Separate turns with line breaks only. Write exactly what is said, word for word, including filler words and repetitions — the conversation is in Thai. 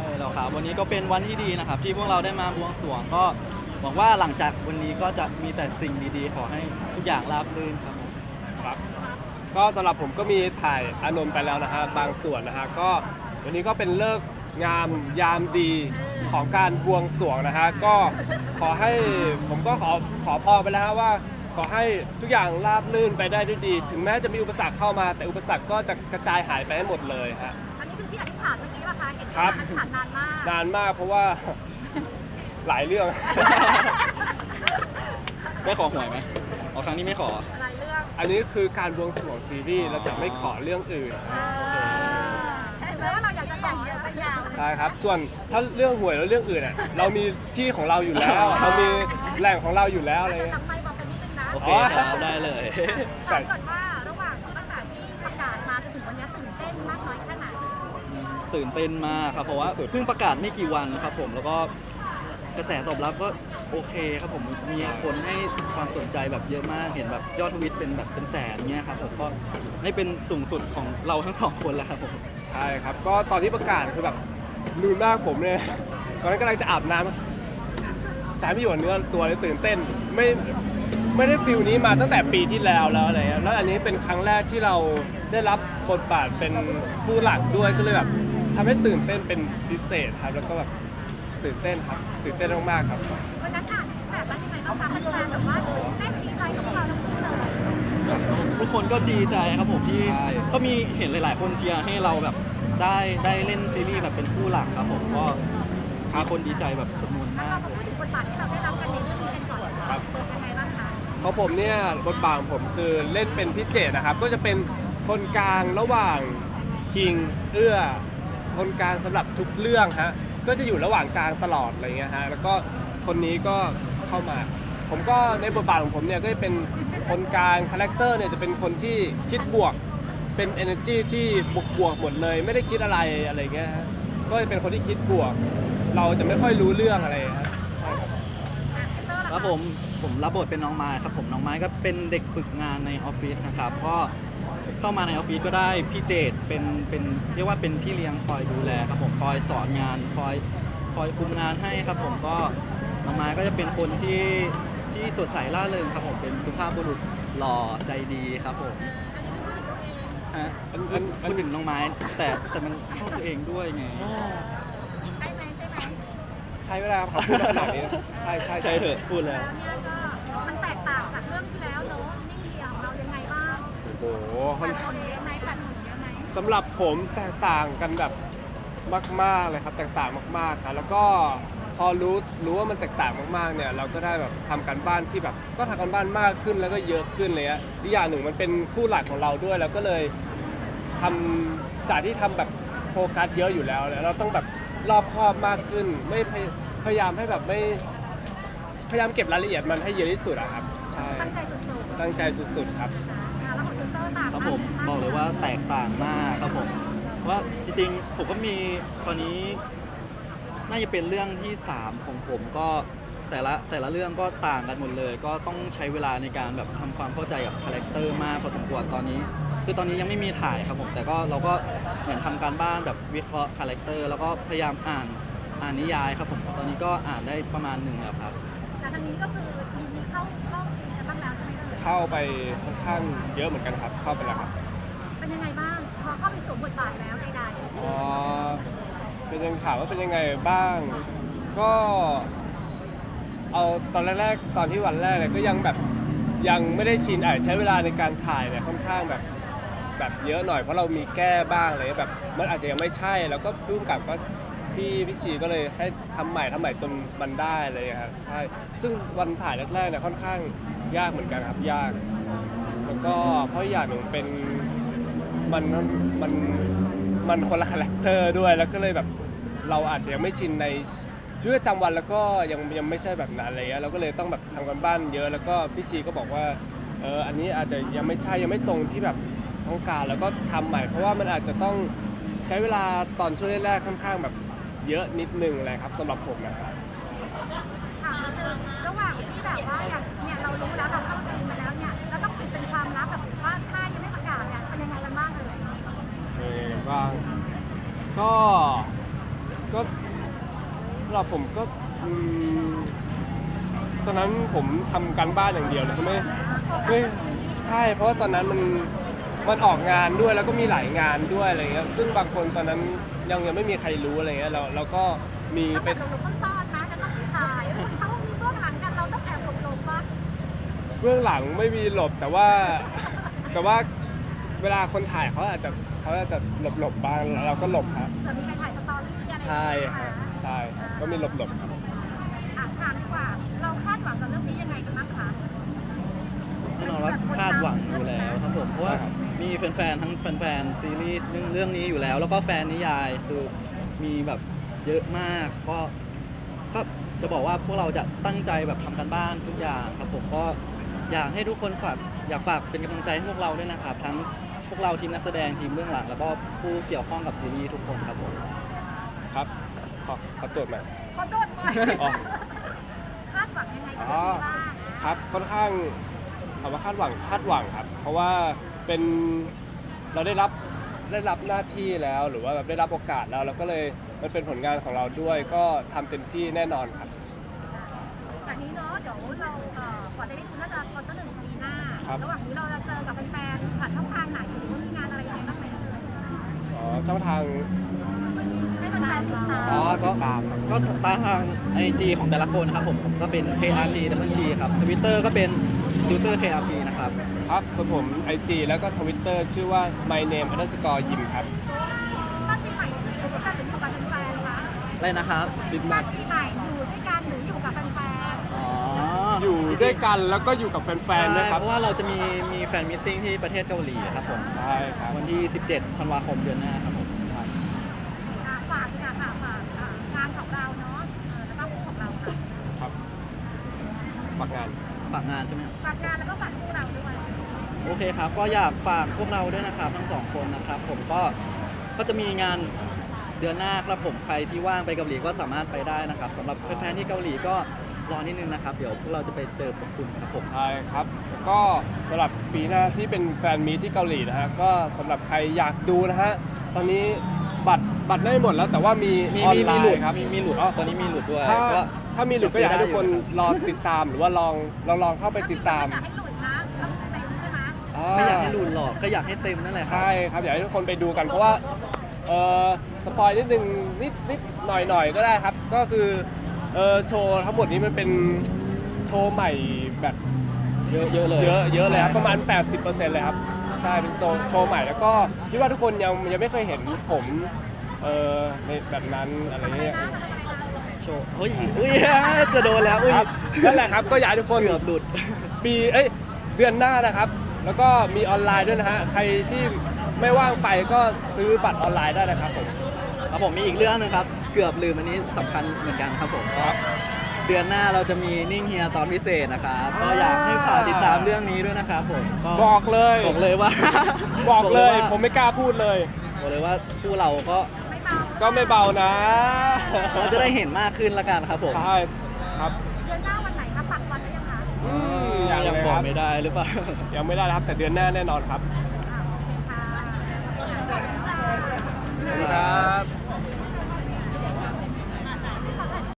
แล้วครับวันนี้ก็เป็นวันที่ดีนะครับที่พวกเราได้มาบวงสรวงก็หวังว่าหลังจากวันนี้ก็จะมีแต่สิ่งดีๆขอให้ทุกอย่างราบรื่นครับผม
ครับก็สำหรับผมก็มีถ่ายอานนท์ไปแล้วนะฮะบางส่วนนะฮะก็วันนี้ก็เป็นเลิกษ์งามยามดีของการบวงสรวงนะฮะก็ขอให้ผมก็ขอขอพรไปแล้วฮะว่าขอให้ทุกอย่างราบรื่นไปได้ด้วยดีถึงแม้จะมีอุปสรรคเข้ามาแต่อุปสรรคก็จะกระจายหายไปให้หมดเลยฮะ
อันนี้คือที่อธิษฐานเมื่อกี้ป่ะคะเห็นอธิษ
ครับ
ฐานนานมาก
นานมากเพราะว่า หลายเรื่อง
ได้ขอหวยไหมเอาครั้งนี้ไม่ขอ
หลายเรื่อง
อันนี้คือการบวงสรวงซีรีส์เราจะไม่ขอเรื่องอื่น
ถึงแม้ว่าเราอยากจะขอแต่ยาว
ใช่ครับส่วนถ้าเรื่องหวยแล้วเรื่องอื่นอ่ะเรามีที่ของเราอยู่แล้วเรามีแหล่งของเราอยู่แล้วอะไร
จะ
เงี้ย
ทำไมบอกกันนิดนึงนะ
โอเคครับได้เลย
ถามก่อนว่าระหว่างตั้งแต่ที่ประกาศมาจนถึงวันนี้ตื่นเต้นมากน้อยแค่ไหน
ตื่นเต้นมากครับเพราะว่าเพิ่งประกาศไม่กี่วันครับผมแล้วก็กระแสตอบรับก็โอเคครับผมมีคนให้ความสนใจแบบเยอะมากเห็นแบบยอดทวิตเป็นแบบเป็นแสนเงี้ยครับผมก็ให้เป็นสูงสุดของเราทั้งสองคนแล้วครับผม
ใช่ครับก็ตอนที่ประกาศคือแบบลืมมากผมเนี่ยตอนนั้นกำลังจะอาบน้ำใจไม่อยู่กับเนื้อตัวเลยตื่นเต้นไม่ไม่ได้ฟิลนี้มาตั้งแต่ปีที่แล้วแล้วอะไรเงี้ยแล้วอันนี้เป็นครั้งแรกที่เราได้รับบทบาทเป็นผู้หลักด้วยก็เลยแบบทำให้ตื่นเต้นเป็นพิเศษครับแล้วก็แบบตื่นเต้นครับตื่นเต้นมากๆครับ
วันนั้นอ่านแบบว่ายังไงบ้างคะแฟนๆแบบว่าเต้นดีใจกับพวกเราทั้งคู่เลย
ทุกคนก็ดีใจครับผมที่ก็มีเห็นหลาย ๆ คนเชียร์ให้เราแบบได้ได้เล่นซีรีส์แบบเป็นคู่หลักครับผมก็พาคนดีใจแบบจำนวน
ถ้าม
าก
เรามาพูดถึงบทบาทที่เราได้รับกันในเรื่องนี้กันก่อนครับเป็นยังไงบ้างคะ
ของผมเนี่ยบทบาทของผมคือเล่นเป็นพี่เจตนะครับก็จะเป็นคนกลางระหว่างคิงเอื้อคนกลางสำหรับทุกเรื่องฮะก็จะอยู่ระหว่างกลางตลอดอะไรเงี้ยฮะแล้วก็คนนี้ก็เข้ามาผมก็ในบทบาทของผมเนี่ยก็จะเป็นคนกลางคาแรคเตอร์เนี่ยจะเป็นคนที่คิดบวกเป็น energy ที่บวกบวกหมดเลยไม่ได้คิดอะไรอะไรเงี้ยฮะก็จะเป็นคนที่คิดบวกเราจะไม่ค่อยรู้เรื่องอะไรครับใช่ครับ
ครับผมผมรับบทเป็นน้องไม้ครับผมน้องไม้ก็เป็นเด็กฝึกงานในออฟฟิศนะครับก็เข้ามาในออฟฟิศก็ได้พี่เจตเป็นเป็นเรียกว่าเป็นพี่เลี้ยงคอยดูแลครับผมคอยสอนงานคอยคอยคุมงานให้ครับผมก็น้องไม้ก็จะเป็นคนที่ที่สดใสร่าเริงครับผมเป็นสุภาพบุรุษหล่อใจดีครับผมฮะพูดถึงน้องไม้แต่แต่มันเข้าตัวเองด้วยไง
ใช่ไหมใช่ไหม
ใช้เวลาครับพูดขนาดนี้นะใช่ใช่
ใช่เถอะพูดแล้ว
แล้วเนี่ยก็มันแตกต่างจากเรื่องที่แล้วเนอะนิ่งเดียวเรายังไงบ้าง
โอ้โห
แปดคนเยอะไหมแปดคนเยอะไหม
สำหรับผมแตกต่างกันแบบมากๆเลยครับแตกต่างมากๆครับแล้วก็พอรู้รู้ว่ามันแตกต่างมากๆเนี่ยเราก็ได้แบบทำการบ้านที่แบบก็ทำการบ้านมากขึ้นแล้วก็เยอะขึ้นเลยอะอีกอย่างหนึ่งมันเป็นคู่หลักของเราด้วยแล้วก็เลยทำจากที่ทำแบบโฟกัสเยอะอยู่แล้วแล้วเราต้องแบบรอบคอบมากขึ้นไม่พยพยายามให้แบบไม่พยายามเก็บรายละเอียดมันให้เยอะที่สุดอะครับใช่
ตั้งใจสุดๆ
ตั้งใจสุดๆครับ
แล้วของยูเตอร์ต่าง
ครับผมบอกเลยว่าแตกต่างมากครับผมว่าจริงๆผมก็มีตอนนี้น่าจะเป็นเรื่องที่สามของผมก็แต่ละแต่ละเรื่องก็ต่างกันหมดเลย ก็ต้องใช้เวลาในการแบบทำความเข้าใจกับคาแรคเตอร์มากพอสมควรตอนนี้ คือตอนนี้ยังไม่มีถ่ายครับผมแต่ก็เราก็เหมือนทำการบ้านแบบวิเคราะห์คาแรคเตอร์แล้วก็พยายามอ่านอ่านนิยายครับผมตอนนี้ก็อ่านได้ประมาณหนึ่งแล้วครับ
แต่ทางนี้ก็คือมีมีเข้าเข้าซีนกันบ้างแล้วใช่ไหมเอ่ย
เข้าไปค่อนข้างเยอะเหมือนกันครับเข้าไปแล้วครับ
เป็นยังไงบ้างพอเข้าไปสวมบทบาทแล้วใด
อ๋อเป็นยังถามว่าเป็นยังไงบ้าง ก็เอาตอนแรกๆตอนที่วันแรกเนี่ยก็ยังแบบยังไม่ได้ชินอ่ะใช้เวลาในการถ่ายเนี่ยค่อนข้างแบบแบบเยอะหน่อยเพราะเรามีแก้บ้างอะไรแบบมันอาจจะยังไม่ใช่แล้วก็พุ่งกับก็พี่พี่ชีก็เลยให้ทำใหม่ทำใหม่จนมันได้เลยครับใช่ซึ่งวันถ่ายแรกๆเนี่ยค่อนข้างยากเหมือนกันครับยากแล้วก็เพราะอย่างหนึ่งเป็นมันมันมันคนละคาแรคเตอร์ด้วยแล้วก็เลยแบบเราอาจจะยังไม่ชินในชีวิตประจำวันแล้วก็ยังยังไม่ใช่แบบนั้นอะไรเงี้ยเราก็เลยต้องแบบทำกันบ้านเยอะแล้วก็พี่ชีก็บอกว่าเอออันนี้อาจจะยังไม่ใช่ยังไม่ตรงที่แบบต้องการแล้วก็ทำใหม่เพราะว่ามันอาจจะต้องใช้เวลาตอนช่วงแรกๆค่อนข้างแบบเยอะนิดนึงอะไรครับสำหรับผมนะครับ
ๆถามนิดนึงระหว่างที่แบบว่าอย่างเนี่ยเรารู้แล้วเราเข้าซีนมาแล้วเนี่ยแล้วต้องปิดเป็นความลับแบบว่าค่ายยังไม่ประกาศเนี่ยเป็นยังไงกันบ้างเอ่ย
เป็นยังไงบ้างก็ก็สำหรับผมก็อืมตอนนั้นผมทำการบ้านอย่างเดียวเลยไม่ไม่ใช่เพราะว่าตอนนั้นมันมันออกงานด้วยแล้วก็มีหลายงานด้วยอะไรเงี้ยซึ่งบางคนตอนนั้นยังยังไม่มีใครรู้อะไรเงี้ยเราเราก็มี
ต้อง
ไป
แบบหลบๆซ่อนๆนะจะต้องถ่ายเออเขามีเบื้องหลังกันเราต้องแอบหลบๆปะ
เบื้องหลังไม่มีหลบแต่ว่าแต่ว่าเวลาคนถ่ายเขาอาจจะเขาอาจจะหลบหลบๆบ้างแล้วเราก็หลบครับ
เผื่อมีใครถ่ายสตอรี่อะไรอย่างเงี้ย
ใช่ครับใช่ก็มีหลบหลบๆครับ
อ่ะถามดีกว่า เราคาดหวังกับเรื่องนี้ยังไงกันบ้างคะ
แน่นอนว่าคาดหวังอยู่แล้วครับผมเพราะว่ามีแฟนๆทั้งแฟนๆซีรีส์เรื่องเรื่องนี้อยู่แล้ว แล้วก็แฟนนิยายคือมีแบบเยอะมากก็ก็จะบอกว่าพวกเราจะตั้งใจแบบทำกันบ้านทุกอย่างครับผมก็อยากให้ทุกคนฝากอยากฝากเป็นกำลังใจให้พวกเราด้วยนะครับทั้งพวกเราทีมนักแสดงทีมเบื้องหลังแล้วก็ผู้เกี่ยวข้องกับซีรีส์ทุกคนครับผม
ครับขอขอโจทย์หน่อย
ขอโทษก่อน
อ๋อ
คาดหวังยังไงกับเรื่องนี้บ้าง
ครับค่อนข้างถามว่าคาดหวังคาดหวังครับ เพราะว่าเป็นเราได้รับได้รับหน้าที่แล้วหรือว่าแบบได้รับโอกาสแล้วเราก็เลยมันเป็นผลงานของเราด้วย ก็ทำเต็มที่แน่นอนครับ
จากนี้เนาะเดี๋ยวเราเอ่อกว่าจะได้คุณน่าจะคอนเตอร์หนึ่งปีหน้า
ครับ
ระหว่างนี้เราจะเจอกับแฟนๆผ่านช่องทางไหนหรือว่ามีงานอะไรยังไงบ้างไหม
อ๋อช่องทาง
ให้แฟนๆติดตาม
อ๋อก็ก็ตามทางไอจีของแต่ละคนนะครับผมผมก็เป็น เค อาร์ ที ดับเบิลจี ครับ Twitter ก็เป็น Twitter เค อาร์ ที นะครับ
ครับส่วนผม ไอ จี แล้วก็ Twitter ชื่อว่า my name underscore yim ครับ
บ้านปีใหม่อยู่ด้วยกันหรืออยู่กับแฟนๆคะ
อะไรนะครับ
บ้านปีใหม่อยู่ด้วยกันหรืออยู่กับแฟน
อ๋อ
อ
อยู่
ด้วยกันแล้วก็อยู่กับแฟนๆด้วยครับ
เพราะว่าเราจะมีมีแฟนมิทติ้งที่ประเทศเกาหลีครับผม
ใช่ครับ
วันที่ สิบเจ็ด ธันวาคมเดือนหน้าครับผมใช่
ๆอ่ะฝากดีกว่าค่ะฝากอ่ะงานของเราเนาะเออแล้วก็คู่ของเราค่ะ
ครับฝากงาน
ฝากงานใช่ไหมครับ
ฝากงานแล้วก็ฝากคู่เราด้วย
โอเคครับ ก็อยากฝากพวกเราด้วยนะครับทั้งสองคนนะครับ ผมก็ก็จะมีงานเดือนหน้าครับผมใครที่ว่างไปเกาหลีก็สามารถไปได้นะครับสำหรับแฟนๆที่เกาหลีก็รอนิดนึงนะครับ เดี๋ยวพวกเราจะไปเจอพวกคุณครับผม
ใช่ครับแล้วก็สำหรับปีหน้าที่เป็นแฟนมีตที่เกาหลีนะฮะก็สำหรับใครอยากดูนะฮะตอนนี้บัตรบัตรได้หมดแล้วแต่ว่ามี
มี
ออน
มี
ไล
มีหลุด
น์ครับ
มีมีหลุดอ๋อตอนนี้มีหลุดด้วย
ถ้า
ก็
ถ้ามีหลุดก็อยากให้ทุกคนรอติดตามหรือว่าลองลองลองเข้าไปติดตาม
อยากให้หลุดนะต้องเต็มใช่ไหม
ไม่อยากให้หลุดหรอกก็อยากให้เต็มนั่นแหละครับ
ใช่ครับอยากให้ทุกคนไปดูกันเพราะว่าเออสปอยนิดนึงนิดนิดหน่อยหน่อยก็ได้ครับ ก็คือเออโชว์ทั้งหมดนี้มันเป็นโชว์ใหม่แบบ
เยอะเยอะเลย
เยอะเยอะเลยครับประมาณ แปดสิบเปอร์เซ็นต์ เลยครับใช่เป็นโชว์โชว์ใหม่แล้วก็คิดว่าทุกคนยังยังไม่เคยเห็นผมเออในแบบนั้นอะไรเงี้ย
โชว์เฮ้ยอุ้ยจะโดนแล้วอุ้ย
ครับนั่นแหละครับก็อยากให้ทุกคน
เกือบหลุด
ปีเอ้ยเดือนหน้านะครับ แล้วก็มีออนไลน์ด้วยนะฮะใครที่ไม่ว่างไปก็ซื้อบัตรออนไลน์ได้นะครับผม
ครับผมมีอีกเรื่องหนึงครับ เกือบลืมอันนี้สำคัญเหมือนกันครับผม
ครับ
เดือนหน้าเราจะมีนิ่งเฮียตอนพิเศษนะครับก็อยากให้ฝากติดตามเรื่องนี้ด้วยนะครับผมก็
บอกเลย
บอกเลยว่า
บอกเลย
ว่า
ผมไม่กล้าพูดเลย
บอกเลยว่าคู่เราก็
ไม่เบา
ก็ไม่เบานะ
เราจะได้เห็นมากขึ้นละกันครับผม
ใช่ครับ
เดือนหน้าวันไหนคะปักวันได้ยังคะ
อืม
ยั
ยัง ง
บอก
ครับ
ไม่ได้หรือเปล่า
ยังไม่ได้นะครับ แต่เดือนหน้าแน่นอนครับ
อ่าโอเคค่ะ
ครับ